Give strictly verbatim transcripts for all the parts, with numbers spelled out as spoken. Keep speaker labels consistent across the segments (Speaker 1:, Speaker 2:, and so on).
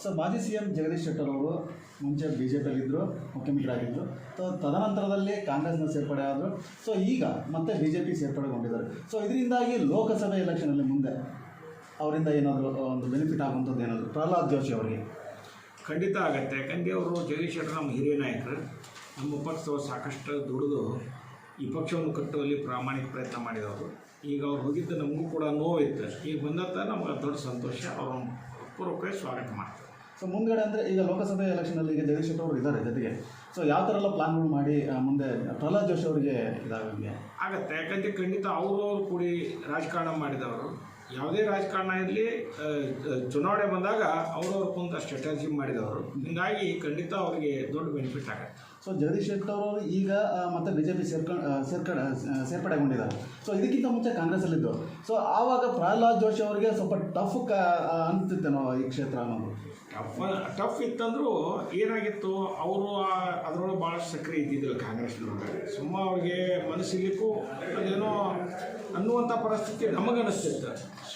Speaker 1: So ಮಾಜಿ C M Jagadish Shettar ಅವರು ಮುಂಚೆ ಬಿ ಜೆ ಪಿಯಲ್ಲಿದ್ದರು, ಮುಖ್ಯಮಂತ್ರಿ ಆಗಿದ್ದರು. ಸೊ ತದನಂತರದಲ್ಲಿ ಕಾಂಗ್ರೆಸ್ನ ಸೇರ್ಪಡೆ ಆದರು. ಸೊ ಈಗ ಮತ್ತೆ ಬಿ ಜೆ ಪಿ ಸೇರ್ಪಡೆಗೊಂಡಿದ್ದಾರೆ. ಸೊ ಇದರಿಂದಾಗಿ ಲೋಕಸಭೆ ಎಲೆಕ್ಷನಲ್ಲಿ ಮುಂದೆ ಅವರಿಂದ ಏನಾದರೂ ಒಂದು ಬೆನಿಫಿಟ್ ಆಗುವಂಥದ್ದು ಏನಾದರೂ ಪ್ರಹ್ಲಾದ್ ಜೋಶಿ ಅವರಿಗೆ
Speaker 2: ಖಂಡಿತ ಆಗುತ್ತೆ. ಯಾಕಂದರೆ ಅವರು ಜಗದೀಶ್ ಶೆಟ್ಟರ್ ನಮ್ಮ ಹಿರಿಯ ನಾಯಕರು, ನಮ್ಮ ಪಕ್ಷದವರು ಸಾಕಷ್ಟು ದುಡಿದು ಈ ಪಕ್ಷವನ್ನು ಕಟ್ಟುವಲ್ಲಿ ಪ್ರಾಮಾಣಿಕ ಪ್ರಯತ್ನ ಮಾಡಿದವರು. ಈಗ ಅವ್ರು ಹೋಗಿದ್ದು ನಮಗೂ ಕೂಡ ನೋವಿತ್ತು. ಈಗ ಬಂದಂಥ ನಮಗೆ ದೊಡ್ಡ ಸಂತೋಷ. ಅವರು ಪೂರ್ವಕವಾಗಿ ಸ್ವಾಗತ ಮಾಡ್ತಾರೆ.
Speaker 1: ಸೊ ಮುಂದ್ಗಡೆ ಅಂದರೆ ಈಗ ಲೋಕಸಭೆ ಎಲೆಕ್ಷನಲ್ಲಿ ಈಗ ಜಗದೀಶ್ ಶೆಟ್ಟರ್ ಅವರು ಇದ್ದಾರೆ ಜೊತೆಗೆ. ಸೊ ಯಾವ ಥರ ಎಲ್ಲ ಪ್ಲಾನ್ಗಳು ಮಾಡಿ ಮುಂದೆ ಪ್ರಹ್ಲಾದ್ ಜೋಶಿ ಅವರಿಗೆ ಇದಾಗಂಗೆ
Speaker 2: ಆಗುತ್ತೆ. ಯಾಕಂದರೆ ಖಂಡಿತ ಅವರು ಕೂಡಿ ರಾಜಕಾರಣ ಮಾಡಿದವರು. ಯಾವುದೇ ರಾಜಕಾರಣ ಇರಲಿ, ಚುನಾವಣೆ ಬಂದಾಗ ಅವರವ್ರ ಕುಂತ ಸ್ಟ್ರಾಟಜಿ ಮಾಡಿದವರು. ಹೀಗಾಗಿ ಖಂಡಿತ ಅವರಿಗೆ ದೊಡ್ಡ ಬೆನಿಫಿಟ್ ಆಗುತ್ತೆ.
Speaker 1: ಸೊ ಜಗದೀಶ್ ಶೆಟ್ಟರ್ ಅವರು ಈಗ ಮತ್ತೆ ಬಿ ಜೆ ಪಿ ಸೇರ್ಕೊಂಡು ಸೇರ್ಕಡೆ ಸೇರ್ಪಡೆಗೊಂಡಿದ್ದಾರೆ. ಸೊ ಇದಕ್ಕಿಂತ ಮುಂಚೆ ಕಾಂಗ್ರೆಸ್ಸಲ್ಲಿದ್ದು. ಸೊ ಆವಾಗ ಪ್ರಹ್ಲಾದ್ ಜೋಶಿ ಅವರಿಗೆ ಸ್ವಲ್ಪ ಟಫ್ ಕ ಅನಿಸುತ್ತೇನೋ ಈ ಕ್ಷೇತ್ರ ಅನ್ನೋದು.
Speaker 2: ಟಫ್ ಟಫ್ ಇತ್ತಂದರೂ ಏನಾಗಿತ್ತು, ಅವರು ಅದರೊಳಗೆ ಭಾಳಷ್ಟು ಸಕ್ರಿಯ ಇದ್ದಿದ್ದಿಲ್ಲ ಕಾಂಗ್ರೆಸ್ನೊಳಗೆ. ಸುಮ್ಮ ಅವ್ರಿಗೆ ಮನಸ್ಸಿಲಿಕ್ಕೂ ಅದೇನೋ ಅನ್ನುವಂಥ ಪರಿಸ್ಥಿತಿ ನಮಗನಿಸ್ತಿತ್ತು.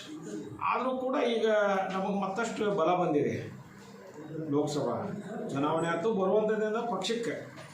Speaker 2: ಆದರೂ ಕೂಡ ಈಗ ನಮಗೆ ಮತ್ತಷ್ಟು ಬಲ ಬಂದಿದೆ. ಲೋಕಸಭಾ ಚುನಾವಣೆ ಆಯ್ತು, ಬರುವಂಥದ್ದಿಂದ ಪಕ್ಷಕ್ಕೆ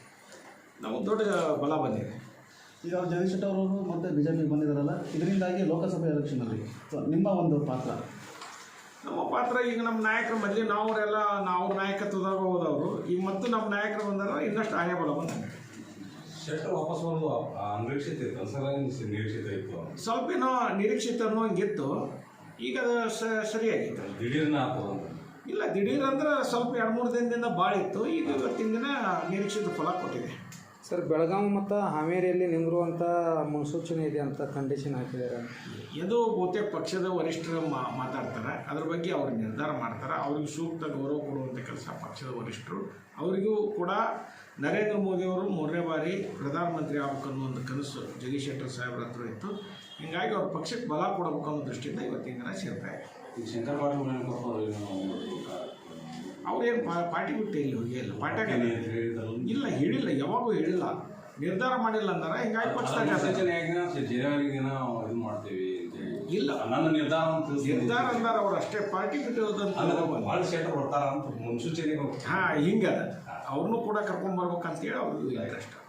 Speaker 2: ನಮಗೆ ದೊಡ್ಡ ಬಲ ಬಂದಿದೆ.
Speaker 1: ಈಗ ಅವ್ರು ಜಗದೀಶ್ ಶೆಟ್ಟರ್ ಅವರು ಮತ್ತು ಬಿ ಜೆ ಪಿಗೆ ಬಂದಿದ್ದಾರಲ್ಲ, ಇದರಿಂದಾಗಿ ಲೋಕಸಭೆ ಎಲೆಕ್ಷನಲ್ಲಿ ಸೊ ನಿಮ್ಮ ಒಂದು ಪಾತ್ರ
Speaker 2: ನಮ್ಮ ಪಾತ್ರ ಈಗ ನಮ್ಮ ನಾಯಕರು ಮೊದಲೇ ನಾವರೆಲ್ಲ ನಾವು ನಾಯಕತ್ವದಾಗ ಹೋದವರು. ಈಗ ಮತ್ತು ನಮ್ಮ ನಾಯಕರು ಬಂದಾಗ ಇನ್ನಷ್ಟು ಆಯ ಬಲ ಬಂದಂಗೆ.
Speaker 3: ಶೆಟ್ಟರ್ ವಾಪಸ್ ಬರೋದು ಅನಿರೀಕ್ಷಿತ ಇತ್ತು, ಒಂದ್ಸಲ ನಿರೀಕ್ಷಿತ ಇತ್ತು,
Speaker 2: ಸ್ವಲ್ಪ ಏನೋ ನಿರೀಕ್ಷಿತ ಅನ್ನೋ ಹಂಗಿತ್ತು. ಈಗ ಅದು ಸರಿಯಾಗಿತ್ತು.
Speaker 3: ದಿಢೀರ್ನ ಹಾಕೋದು
Speaker 2: ಇಲ್ಲ, ದಿಢೀರ್ ಅಂದ್ರೆ ಸ್ವಲ್ಪ ಎರಡು ಮೂರು ದಿನದಿಂದ ಭಾಳ ಇತ್ತು. ಈಗ ಇವತ್ತಿನ ದಿನ ನಿರೀಕ್ಷಿತ ಫಲ ಕೊಟ್ಟಿದೆ.
Speaker 4: ಸರ್, ಬೆಳಗಾವಿ ಮತ್ತು ಹಾವೇರಿಯಲ್ಲಿ ನಿಂದಿರುವಂಥ ಮುನ್ಸೂಚನೆ ಇದೆ ಅಂತ ಕಂಡೀಷನ್ ಹಾಕಿದ್ದಾರೆ.
Speaker 2: ಇದು ಬಹುತೇಕ ಪಕ್ಷದ ವರಿಷ್ಠರು ಮಾತಾಡ್ತಾರೆ. ಅದ್ರ ಬಗ್ಗೆ ಅವ್ರು ನಿರ್ಧಾರ ಮಾಡ್ತಾರೆ. ಅವ್ರಿಗೆ ಸೂಕ್ತ ಗೌರವ ಕೊಡುವಂಥ ಕೆಲಸ ಪಕ್ಷದ ವರಿಷ್ಠರು. ಅವರಿಗೂ ಕೂಡ ನರೇಂದ್ರ ಮೋದಿಯವರು ಮೂರನೇ ಬಾರಿ ಪ್ರಧಾನಮಂತ್ರಿ ಆಗ್ಬೇಕು ಅನ್ನೋ ಒಂದು ಕನಸು ಜಗದೀಶ್ ಶೆಟ್ಟರ್ ಸಾಹೇಬ್ರ ಹತ್ರ ಇತ್ತು. ಹೀಗಾಗಿ ಅವ್ರ ಪಕ್ಷಕ್ಕೆ ಬಲ ಕೊಡಬೇಕು ಅನ್ನೋ ದೃಷ್ಟಿಯಿಂದ ಇವತ್ತಿನ ದಿನ ಸೇರ್ತಾರೆ.
Speaker 3: ಈಗ ಶಂಕರ್ ಪಾಟೀಲ್
Speaker 2: ಅವ್ರೇನು ಪಾರ್ಟಿ ಬಿಟ್ಟು ಇಲ್ಲಿ ಹೋಗಿ ಇಲ್ಲ, ಪಾರ್ಟಿಯಾಗ ಇಲ್ಲ, ಹೇಳಿಲ್ಲ, ಯಾವಾಗೂ ಹೇಳಿಲ್ಲ, ನಿರ್ಧಾರ ಮಾಡಿಲ್ಲ ಅಂದಾರ. ಹಿಂಗಾಗಿ ಪಕ್ಷದಾಗ
Speaker 3: ಜನವರಿಗೆ ಇದು ಮಾಡ್ತೀವಿ
Speaker 2: ಇಲ್ಲ,
Speaker 3: ನನ್ನ ನಿರ್ಧಾರ
Speaker 2: ನಿರ್ಧಾರ ಅಂದಾರ. ಅವ್ರು ಅಷ್ಟೇ ಪಾರ್ಟಿ ಬಿಟ್ಟು
Speaker 3: ಭಾಳ ಶೆಟ್ಟರ್ ಬರ್ತಾರ ಅಂತ ಮುನ್ಸೂಚನೆ.
Speaker 2: ಹಾಂ, ಹಿಂಗದ ಅವ್ರನ್ನೂ ಕೂಡ ಕರ್ಕೊಂಡ್ಬರ್ಬೇಕಂತೇಳಿ ಅವ್ರಿಗೆ ಇಂಟ್ರೆಸ್ಟ್.